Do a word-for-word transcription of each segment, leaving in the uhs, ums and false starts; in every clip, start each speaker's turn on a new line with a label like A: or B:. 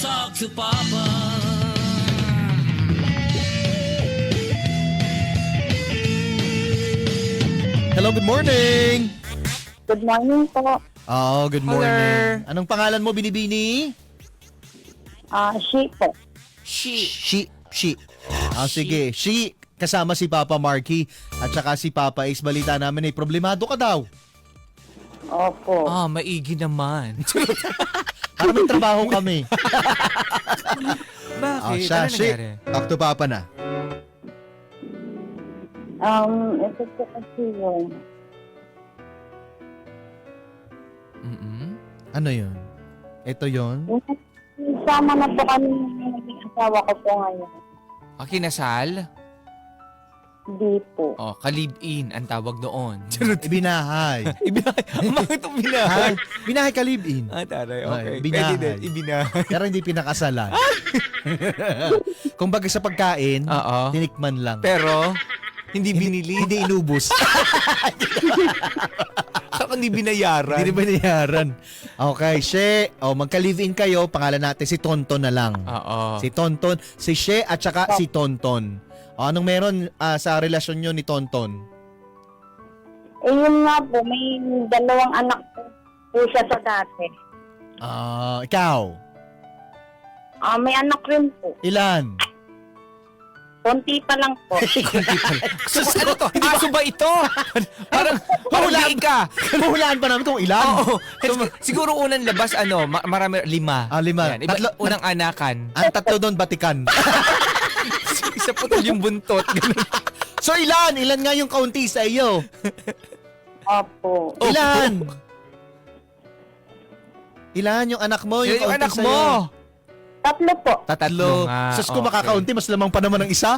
A: talk to Papa.
B: Hello, good morning.
C: Good morning po.
B: Oh, good morning. Anong pangalan mo, Binibini?
C: Ah, she po.
B: She. She. She. Ah, sige. She. Kasama si Papa Marky at saka si Papa Ace. Balita namin eh, problemado ka daw.
C: Opo.
D: Ah, maigi naman.
B: Para may trabaho kami.
D: Bakit?
B: Oh, siya,
D: Ano
B: she.
D: nangyari?
B: Talk to Papa na.
C: Um, ito po kasi yun.
D: Mm-mm.
B: Ano yun? Ito yun?
C: Sama na po kami ng naging asawa ko po ngayon.
D: Ah, kinasal?
C: Hindi po.
D: Oh, kalib-in ang tawag doon.
B: Ibinahay.
D: Ibinahay. Bakit itong binahay?
B: Ha? Binahay kalibin.
D: Ah, taray.
B: Ay,
D: Okay.
B: binahay.
D: Pwede din. Ibinahay.
B: Pero hindi pinakasalan. Kung baga sa pagkain,
D: Oo.
B: tinikman lang.
D: Pero, hindi binili.
B: Hindi inubos.
D: Saka hindi binayaran.
B: Hindi binayaran. Okay, She. O, magka-live-in kayo. Pangalan natin si Tonton na lang.
D: Oo.
B: Si Tonton. Si She at saka si Tonton. O, anong meron ah, sa relasyon nyo ni Tonton?
C: Eh yun nga po, may dalawang anak po, po siya sa dati.
B: Ah, ikaw?
C: Ah, may anak rin po.
B: Ilan?
C: Konti pa lang po.
D: Sus, ano to? Aso ba ito? Parang, pahulaan ka.
B: Mahulaan pa namin kung ilan?
D: Oo. Siguro unang labas, ano, ma- marami, lima.
B: Ah, lima.
D: Yan. Iba,
B: Tatlo-
D: unang anakan.
B: Ang tatlo doon, batikan.
D: Isa putol yung buntot. Ganun.
B: So ilan? Ilan nga yung kaunti sa iyo?
C: Opo.
B: Ilan? Ilan yung anak mo?
D: Yun yung
B: kaunti
D: anak
B: sa'yo?
D: mo.
C: Tatlo po.
B: Tatlo.
D: nga.
B: Sus, kung
D: Okay.
B: makakaunti, mas lamang pa naman ng isa.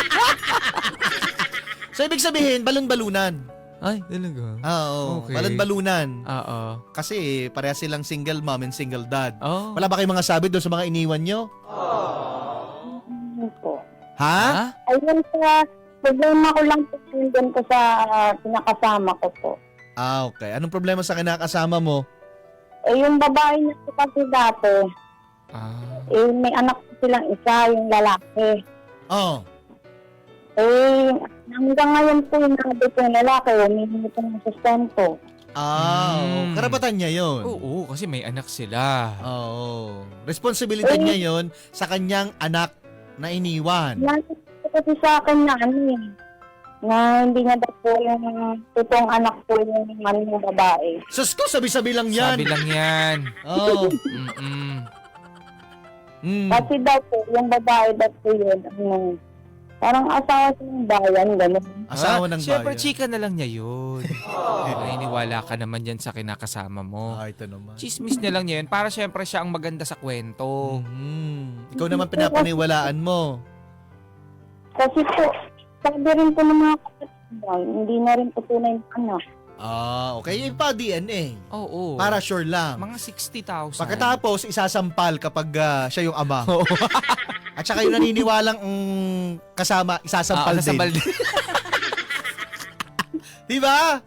B: So ibig sabihin, balon-balunan.
D: Ay, talaga.
B: Ah, Oo,
D: Okay.
B: balon-balunan.
D: Oo.
B: Kasi pareha silang single mom and single dad.
D: Oh.
B: Wala ba kayong mga sabi doon sa mga iniwan nyo?
C: Yun po.
B: Ha?
D: Ha?
C: Ayun sa, problema ko lang po yun ko sa ah, pinakasama ko po.
B: Ah, okay. Anong problema sa kinakasama mo?
C: Eh yung babae niya po kasi dati,
D: Ah.
C: eh may anak po silang isa, yung lalaki.
B: Oh.
C: Eh, hanggang ngayon po yung nabi po yung lalaki, humihingi po ng sustento.
B: Ah, oo.
D: Mm.
B: Karapatan niya yun.
D: Oo, kasi may anak sila.
B: Oo. Responsibilidad
C: Eh.
B: niya yun sa kanyang anak na iniwan.
C: Yan po kasi sa akin na ano eh, na hindi niya daw po yung totoong anak po yung ano yung babae.
B: Sus ko, sabi-sabi lang yan.
D: Sabi lang yan.
B: Oo.
D: Mm-mm.
B: Mm.
C: Kasi daw po, yung babae daw po yun, ano, parang asawa sa ng bayan, gano'n.
B: Asawa ng
D: Siyempre,
B: bayan.
D: chika na lang niya yun. Naniniwala ka naman yan sa kinakasama mo.
B: Ah, ito naman.
D: Chismis na lang niya yun para siyempre siya ang maganda sa kwento.
B: Mhm. Ikaw naman pinapaniwalaan mo.
C: Kasi po, sabi rin po ng mga kapatid daw, hindi na rin po tunay na anak.
B: Ah, okay. Yung pa D N A.
D: Oo.
B: Para sure lang.
D: mga sixty thousand.
B: Pagkatapos, isasampal kapag ah, siya yung ama.
D: Oo.
B: At saka yung naniniwalang mm, kasama, isasampal
D: Ah,
B: din.
D: sasampal din.
B: Diba?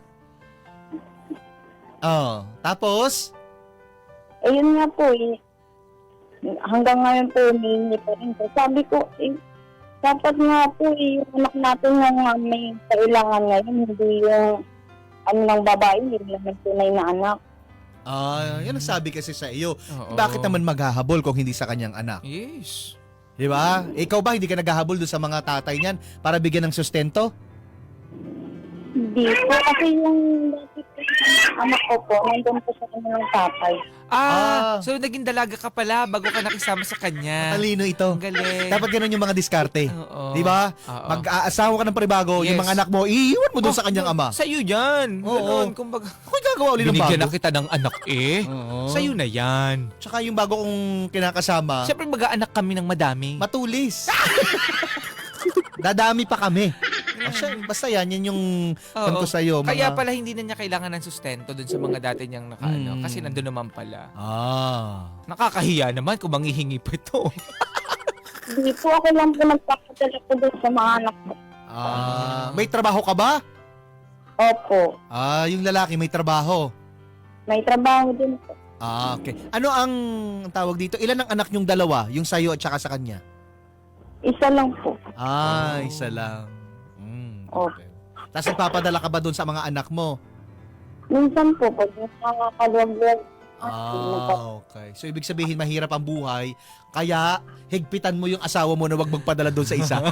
B: Oh, tapos?
C: Eh yun nga po eh, hanggang ngayon po humihingi pa rin po. Sabi ko, eh, dapat nga po eh, yung anak natin yung uh, may kailangan ngayon, hindi yung ano ng babae, hindi naman tunay na anak.
B: Ah, yan ang sabi kasi sa iyo.
D: Oo.
B: Bakit naman maghahabol kung hindi sa kanyang anak?
D: Yes.
B: Di ba? Ikaw ba hindi ka naghahabol doon sa mga tatay niyan para bigyan ng sustento?
C: Hindi po, kasi yung dati po yung anak ko po, nandun po sa kanilang tatay.
B: Ah.
D: Ah, so naging dalaga ka pala bago ka nakisama sa kanya.
B: Talino ito.
D: Ang galing.
B: Dapat ganun yung mga diskarte.
D: Oo.
B: Di ba?
D: Oo.
B: Mag-aasawa ka ng panibago, yung
D: Yes.
B: mga anak mo, iiwan mo doon
D: Oh,
B: sa kanyang ama.
D: Sa iyo yan.
B: Oo.
D: Ganon, kumbaga.
B: Ako'y gagawa ulit ng
D: Binigyan na
B: bago.
D: kita ng anak eh.
B: Oo.
D: Sa iyo na yan.
B: Tsaka yung bago kong kinakasama,
D: Siyempre mag-aanak kami ng madami.
B: matulis. Dadami pa kami. O siya, basta yan, yan yung
D: Oo.
B: kanto sa'yo. Mga...
D: Kaya pala hindi na niya kailangan ng sustento dun sa mga dati niyang nakaano.
B: Mm.
D: Kasi nandun naman pala.
B: Ah.
D: Nakakahiya naman kung manghihingi pa ito.
C: Hindi po, ako lang po nagpapadala po doon sa mga anak ko.
B: Ah. May trabaho ka ba?
C: Opo,
B: Ah, yung lalaki may trabaho.
C: may trabaho din po.
B: Ah, okay. Ano ang tawag dito? Ilan ang anak niyong dalawa? Yung sa'yo at saka sa kanya?
C: Isa lang po.
B: Ah,
D: Oh.
B: isa lang. Mm,
C: Oh.
B: okay. Tapos nagpapadala ka ba doon sa mga anak mo?
C: Minsan po, pag nakakaluwag-luwag,
B: Ah, okay. So, ibig sabihin, mahirap ang buhay. Kaya, higpitan mo yung asawa mo na wag magpadala doon sa isa.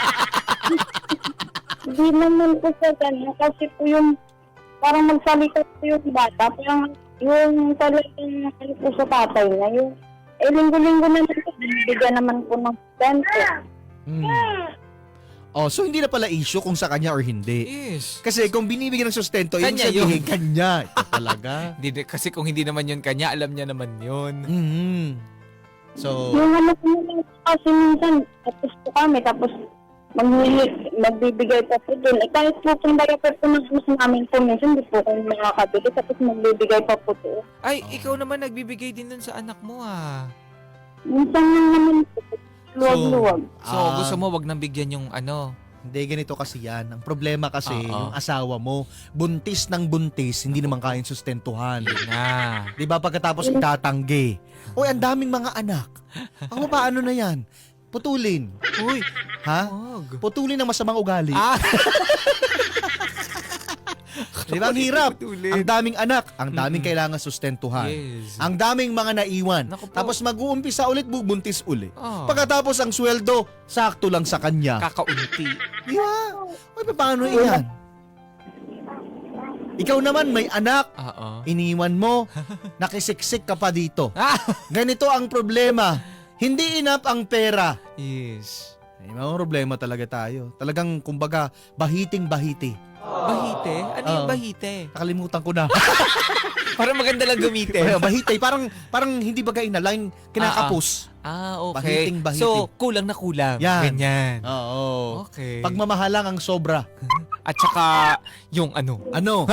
C: hindi naman po sa ganun. Kasi po yung, parang magsalita po yung bata. Parang yung talagang ano po sa tatay na yung, eh, linggo-linggo naman po, binibigyan naman po ng sustento.
B: Hmm. Oh, so hindi na pala issue kung sa kanya or hindi.
D: Yes.
B: Kasi kung binibigyan ng sustento, yung
D: Kanya
B: sabihin,
D: yun.
B: kanya. Ito talaga.
D: Hindi, di- kasi kung hindi naman yun kanya, alam niya naman yun.
B: Mhm. So,
C: Yung ano po naman kasi minsan, tapos po kami, tapos maghihi, magbibigay pa po dun. Eh, kahit po kung baga po po ng mas namin po minsan, hindi po kami makakabili, tapos magbibigay pa po to.
D: Ay,
B: Oh.
D: ikaw naman nagbibigay din dun sa anak mo ah.
C: Minsan lang naman po, luwag-luwag.
D: So,
B: Ah.
D: gusto mo wag nang bigyan yung ano.
B: hindi ganito kasi yan. Ang problema kasi,
D: Oo.
B: yung asawa mo, buntis ng buntis, hindi naman kayang sustentuhan.
D: Na.
B: Di ba pagkatapos itatanggi? Uy, ang daming mga anak. Ako paano na yan? Putulin.
D: Uy,
B: Ha?
D: wag.
B: Putulin ng masamang ugali.
D: Ah,
B: Di ba? Ang hirap.
D: Putulin.
B: Ang daming anak. Ang daming
D: Mm-mm.
B: kailangan sustentuhan.
D: Yes.
B: Ang daming mga naiwan.
D: Naku po.
B: Tapos mag-uumpisa ulit, bubuntis uli.
D: Oh.
B: Pagkatapos ang sweldo, sakto lang sa kanya.
D: Kakaunti.
B: Di ba? Uy, paano iyan? Ikaw naman may anak,
D: Oo.
B: iniwan mo, nakisiksik ka pa dito.
D: Ah!
B: Ganito ang problema. Hindi enough ang pera.
D: Yes.
B: May mga problema talaga tayo. Talagang, kumbaga, bahiting-bahiti.
D: Bahite? Ano yung
B: Oo.
D: bahite?
B: Nakalimutan ko na.
D: Para maganda lang gamitin.
B: Kaya bahitay, parang, parang hindi bagay na line, kinakapos.
D: Ah, okay.
B: Bahiting, bahiti.
D: So, kulang na kulang.
B: Yan.
D: Ganyan.
B: Oo.
D: Okay.
B: Pagmamahal lang ang sobra.
D: At saka, yung ano.
B: Ano?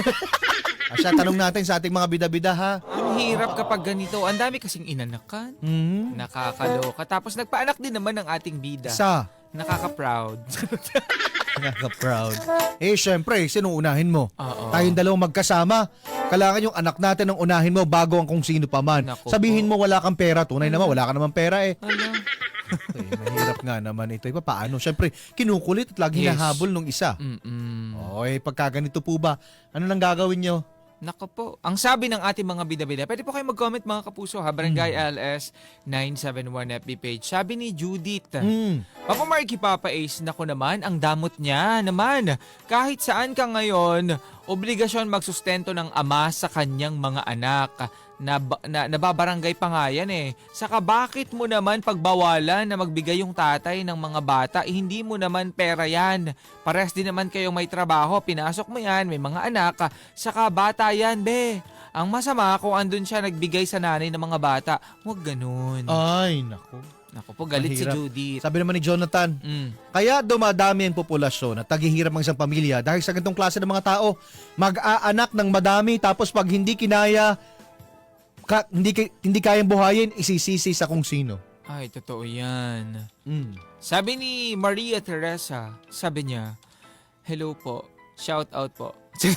B: Asya, tanong natin sa ating mga bida-bida, ha?
D: Ang hirap kapag ganito. Ang dami kasing inanakan.
B: Hmm?
D: Nakakaloka. Tapos nagpaanak din naman ng ating bida.
B: Sa?
D: Nakaka-proud.
B: Nakaka-proud. Eh, syempre, sino unahin mo?
D: Oo.
B: Tayong dalawang magkasama. Kailangan yung anak natin ang unahin mo bago ang kung sino pa man.
D: Naku
B: Sabihin
D: po.
B: mo wala kang pera. Tunay naman, wala ka naman pera eh.
D: Ano?
B: Eh, mahirap nga naman ito. Iba paano? Syempre, kinukulit at lagi
D: Yes.
B: nahabol nung isa.
D: Mm-mm.
B: Okay, pagka ganito po ba, ano nang gagawin nyo?
D: Nako po. Ang sabi ng ating mga bida-bida, pwede po kayo mag-comment mga kapuso ha. Barangay
B: Hmm.
D: L S nine seven one F B page. Sabi ni Judith,
B: Hmm.
D: Papa Marky Papa Ace, nako naman, ang damot niya naman. Kahit saan ka ngayon, obligasyon magsustento ng ama sa kanyang mga anak. Na, na, nababarangay pa nga yan eh. Saka bakit mo naman pagbawalan na magbigay yung tatay ng mga bata? Eh, hindi mo naman pera yan. Pares din naman kayong may trabaho. Pinasok mo yan, may mga anak. Saka bata yan, be. Ang masama kung andun siya nagbigay sa nanay ng mga bata. Huwag ganun.
B: Ay, naku.
D: Naku po, galit si
B: Mahirap.
D: Judith.
B: Sabi naman ni Jonathan,
D: Mm.
B: kaya dumadami ang populasyon at taghihirap ang isang pamilya dahil sa ganitong klase ng mga tao, mag-aanak ng madami tapos pag hindi kinaya, ka, hindi, ki- hindi kayang buhayin, isisisi sa kung sino.
D: Ay, totoo yan.
B: Mm.
D: Sabi ni Maria Teresa, sabi niya, hello po, shout out po.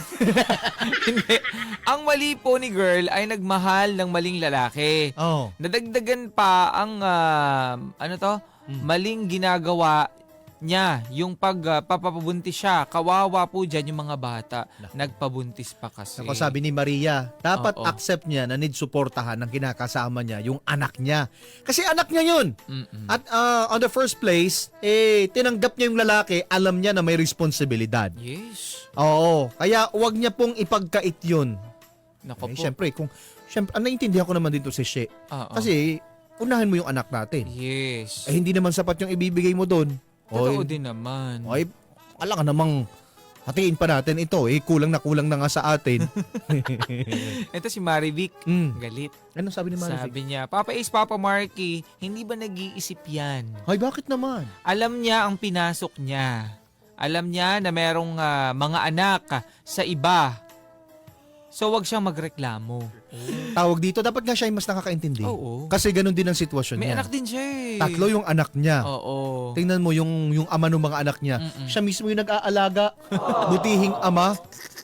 D: Hindi. Ang mali po ni girl ay nagmahal ng maling lalaki.
B: Oh.
D: Nadagdagan pa ang, ah, ano to,
B: Mm.
D: maling ginagawa niya. Yung pag ah, papabuntis siya, kawawa po dyan yung mga bata.
B: Naku.
D: Nagpabuntis pa kasi.
B: Ako sabi ni Maria, dapat
D: Oo.
B: accept niya na need suportahan ng kinakasama niya, yung anak niya. Kasi anak niya yun.
D: Mm-mm.
B: At uh, on the first place, eh, tinanggap niya yung lalaki, alam niya na may responsibilidad.
D: Yes.
B: Oo, kaya wag niya pong ipagkait yun.
D: Nako
B: Eh,
D: po.
B: syempre, kung, syempre, ah, naiintindihan ko naman dito si She.
D: Oo.
B: Kasi, unahin mo yung anak natin.
D: yes.
B: Eh, hindi naman sapat yung ibibigay mo doon.
D: Totoo din naman.
B: Oy, wala ka namang hatiin pa natin ito. Eh, kulang na kulang na nga sa atin.
D: Ito si Marivic.
B: mm.
D: Galit.
B: Ano sabi ni Marivic?
D: Sabi niya, Papa Ace, Papa Marky, hindi ba nag-iisip yan?
B: Ay, bakit naman?
D: Alam niya ang pinasok niya. Alam niya na merong ah, mga anak ah, sa iba. So, wag siyang magreklamo.
B: Tawag dito, dapat nga siya ay mas nakakaintindi.
D: Oo.
B: Kasi ganun din ang sitwasyon
D: May
B: niya.
D: anak din siya eh.
B: Tatlo yung anak niya.
D: Oo.
B: Tingnan mo yung yung ama ng mga anak niya.
D: Mm-mm.
B: Siya mismo yung nag-aalaga. Butihing ama.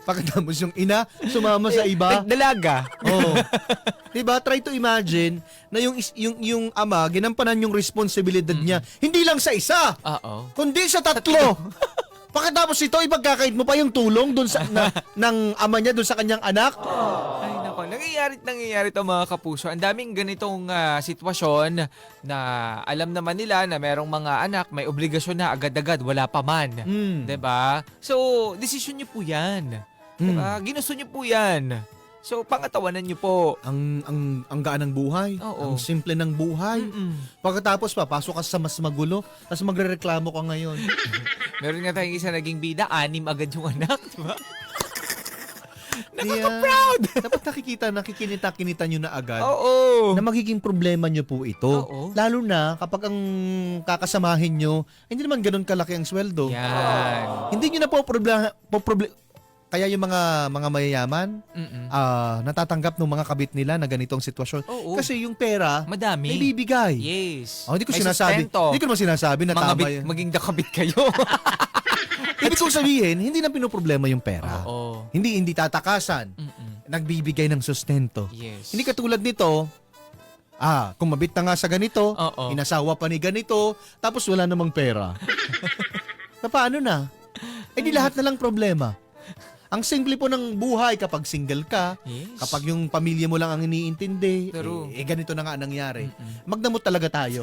B: Pagkatapos yung ina, sumama sa iba.
D: Nagdalaga.
B: Oh. 'Di ba? Try to imagine na yung is- yung yung ama ginampanan yung responsibilidad niya hindi lang sa isa,
D: Oo.
B: kundi sa tatlo. Pagkatapos ito ipagkakait mo pa yung tulong doon sa na, ng ama niya doon sa kanyang anak.
D: Ay nako, nangyayari nangyayari to mga kapuso. Ang daming ganitong ah, sitwasyon na alam naman nila na merong mga anak may obligasyon na agad-agad, wala pa man.
B: Mm.
D: 'Di ba? So, desisyon niyo po 'yan. 'Di ba? Ginusto niyo po 'yan. So, pangatawanan niyo po.
B: Ang ang ang gaan ng buhay,
D: Oo.
B: ang simple ng buhay.
D: Mm-mm.
B: Pagkatapos papasok ka sa mas magulo, tapos magrereklamo ka ngayon.
D: Meron nga tayong isa naging bida, anim agad yung anak, 'di ba?
B: Nakaka-proud! Dapat nakikita, nakikinita-kinita nyo na agad
D: Oo.
B: na magiging problema nyo po ito.
D: Oo.
B: Lalo na kapag ang kakasamahin nyo, hindi naman ganun kalaki ang sweldo.
D: Yan.
B: Hindi nyo na po problema, po proble- kaya yung mga mga mayayaman,
D: Mm-mm.
B: ah, natatanggap ng mga kabit nila na ganitong sitwasyon.
D: Oo.
B: Kasi yung pera,
D: Madami.
B: may bibigay.
D: Yes.
B: Oh, hindi ko
D: May
B: sinasabi,
D: sustento.
B: hindi ko naman sinasabi na
D: Mga
B: tama
D: bit,
B: yun.
D: maging dakabit kayo.
B: Ibig kong sabihin, hindi na pinoproblema yung pera.
D: Oo.
B: Hindi hindi tatakasan.
D: Mm-mm.
B: Nagbibigay ng sustento.
D: Yes.
B: Hindi katulad nito, ah, kung mabit na nga sa ganito,
D: Oo.
B: inasawa pa ni ganito, tapos wala namang pera. Na paano na? Eh di lahat na lang problema. Ang simple po ng buhay kapag single ka,
D: Yes.
B: kapag yung pamilya mo lang ang iniintindi,
D: True.
B: eh, eh ganito na nga ang nangyari.
D: Mm-mm.
B: Magdamot talaga tayo.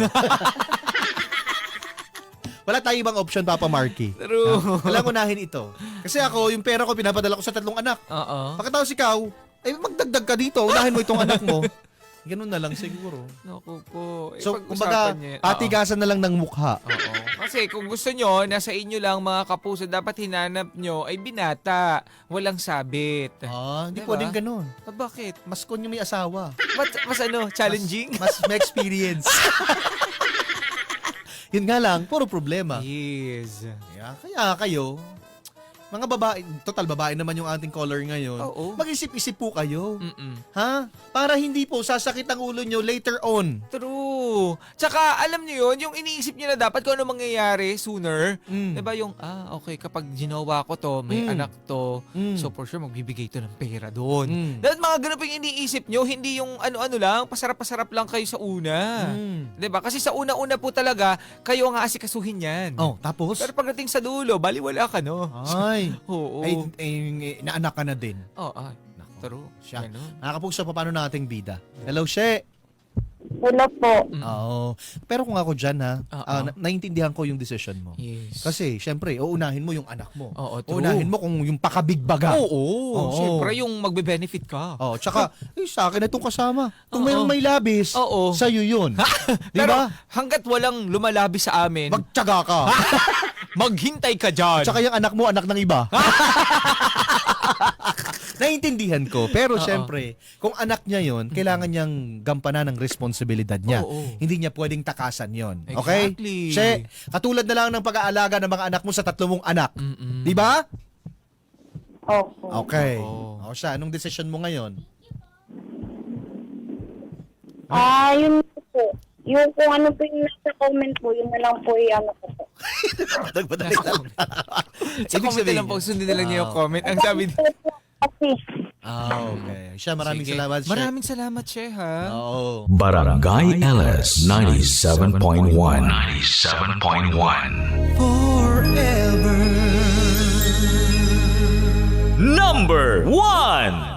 B: Wala tayong ibang option, Papa Marky.
D: True.
B: Walang unahin ito. Kasi ako, yung pera ko, pinapadala ko sa tatlong anak.
D: Oo.
B: Pagkatapos ikaw, ay magdagdag ka dito, unahin mo itong anak mo. Ganun na lang siguro.
D: Naku po. Eh,
B: So,
D: pag-usapan
B: kumbaga,
D: niyo yan.
B: patigasan na lang ng mukha.
D: Oo. Oo. Kasi kung gusto nyo, nasa inyo lang mga kapuso, dapat hinanap nyo ay binata. Walang sabit.
B: Ah, hindi
D: Diba?
B: pwedeng ganun.
D: Ah, bakit?
B: Mas kun yung may asawa.
D: Mas, mas ano, challenging?
B: Mas may experience. Yun nga lang, puro problema.
D: Yes.
B: Kaya, kaya kayo, mga babae, total babae naman yung ating caller ngayon,
D: Oo.
B: mag-isip-isip po kayo.
D: Mm-mm.
B: Ha? Para hindi po sasakit ang ulo nyo later on.
D: True. Tsaka, alam nyo yun, yung iniisip nyo na dapat kung ano mangyayari sooner.
B: Mm.
D: Diba yung, ah, okay, kapag ginawa ko to, may
B: Mm.
D: anak to,
B: Mm.
D: so for sure, magbibigay to ng pera doon.
B: Mm.
D: Dapat mga ganun pa yung iniisip nyo, hindi yung ano-ano lang, pasarap-pasarap lang kayo sa una.
B: Mm.
D: Diba? Kasi sa una-una po talaga, kayo ang aasikasuhin yan.
B: Oh, tapos?
D: Pero pagdating sa dulo, baliwala ka, no?
B: Ay,
D: Oo.
B: ay, ay, naanak ka na din.
D: Oo, ay.
B: Nako.
D: True.
B: Siya.
D: Ganun.
B: Nakakapugsa pa paano nating bida. Hello, She.
C: Hello po.
D: Mm.
B: Oo. Pero kung ako dyan ha,
D: Oo.
B: ah, na- naintindihan ko yung decision mo.
D: Yes.
B: Kasi, syempre, uunahin mo yung anak mo.
D: Oo, true.
B: Uunahin mo kung yung pakabigbaga.
D: Oo,
B: Oo.
D: Siyempre, yung magbe-benefit ka.
B: Oh, tsaka, eh, sa akin na itong kasama. Kung
D: Oo.
B: mayroong may labis,
D: Oo.
B: sa'yo yun. Di
D: Pero
B: ba?
D: hanggat walang lumalabi sa amin,
B: Magtyaga ka.
D: maghintay ka dyan.
B: Tsaka yung anak mo, anak ng iba. Naiintindihan ko. Pero
D: Oo.
B: syempre, kung anak niya yon, kailangan niyang gampanan ng responsibilidad niya.
D: Oo.
B: Hindi niya pwedeng takasan yon. Okay?
D: Exactly.
B: She, katulad na lang ng pag-aalaga ng mga anak mo sa tatlo mong anak.
D: Mm-mm.
B: Di ba?
C: Opo.
B: Okay.
D: Oo.
B: O siya, anong decision mo ngayon?
C: Ah, yun po. Yung kung ano po yung nasa comment po, yun na lang po yung ano ko po.
B: Nagpadali lang.
D: Sa comment na lang po, sundin na lang niyo yung
B: Ah.
D: comment. Ang sabi,
C: Kasi,
B: Ah, okay. Siya, maraming
D: Sige.
B: salamat. She.
D: Maraming salamat, Che, ha?
B: Oo.
A: Barangay L S ninety-seven point one. ninety-seven point one. Forever. Number one.